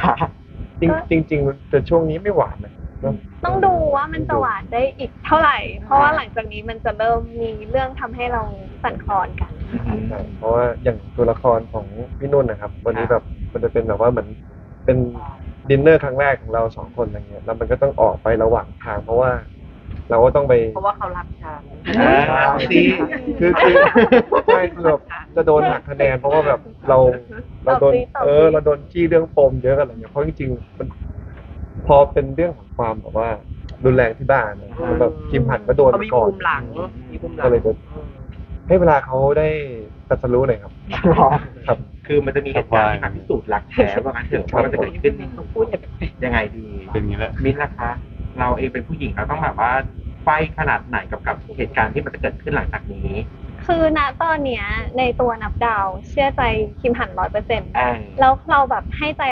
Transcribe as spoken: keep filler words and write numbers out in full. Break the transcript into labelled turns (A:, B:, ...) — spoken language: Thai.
A: คะจริงจริงๆแต่ช่วงนี้ไม่หวานนะเนอะ
B: ต้องดูว่ามันจะหวานได้อีกเท่าไหร่ เพราะว่าหลังจากนี้มันจะเริ่มมีเรื่องทำให้เราสั่นคลอนกัน
A: ใช่เพราะว่าอย่างตัวละครของพี่นุ่นนะครับวันนี้แบบมันจะเป็นแบบว่าเหมือนเป็นดินเนอร์ครั้งแรกของเราสองคนอะไรเงี้ยแล้วมันก็ต้องออกไประหว่างทางเพราะว่า เราก็ต้องไป
C: เพราะว่าเขารักฉัน
A: ดีคือคือใช่คือแบบจะโดนหักคะแนนเพราะว่าแบบเราเราโดนเออเราโดนจี้เรื่องปมเยอะอะไรเงี้ยเพราะจริงๆมันพอเป็นเรื่องของความแบบว่ารุนแรงที่บ้านนะแบบคิมหันก็โดน
C: เขามี
A: ก่อน
C: มุมหลังมีมุมหลัง
A: ก็เลยจะให้เวลาเขาได้ตรัสรู้หน่อยครับครับ
D: คือมันจะมีเหตุการณ์ที่มาพิสูจน์รักแท้ว่างั้นเถอะว่ามันจะเกิดขึ้นต้องพูดยังไงดีเป็นอย่างนี้แหละมิ้นท์ล่ะคะเราเองเป็นผู้หญิงเราต้องแบบว่าไฟขนาดไหนกับกับเหตุการณ์ที่มันจะเกิดขึ้นหลังจากนี้
B: คือณตอนเนี้ยในตัวนับดาวเชื่อใจคิมหันร้อยเปอร์เซ็นต์
D: อ่า
B: แล้วเราแบบให้ใจ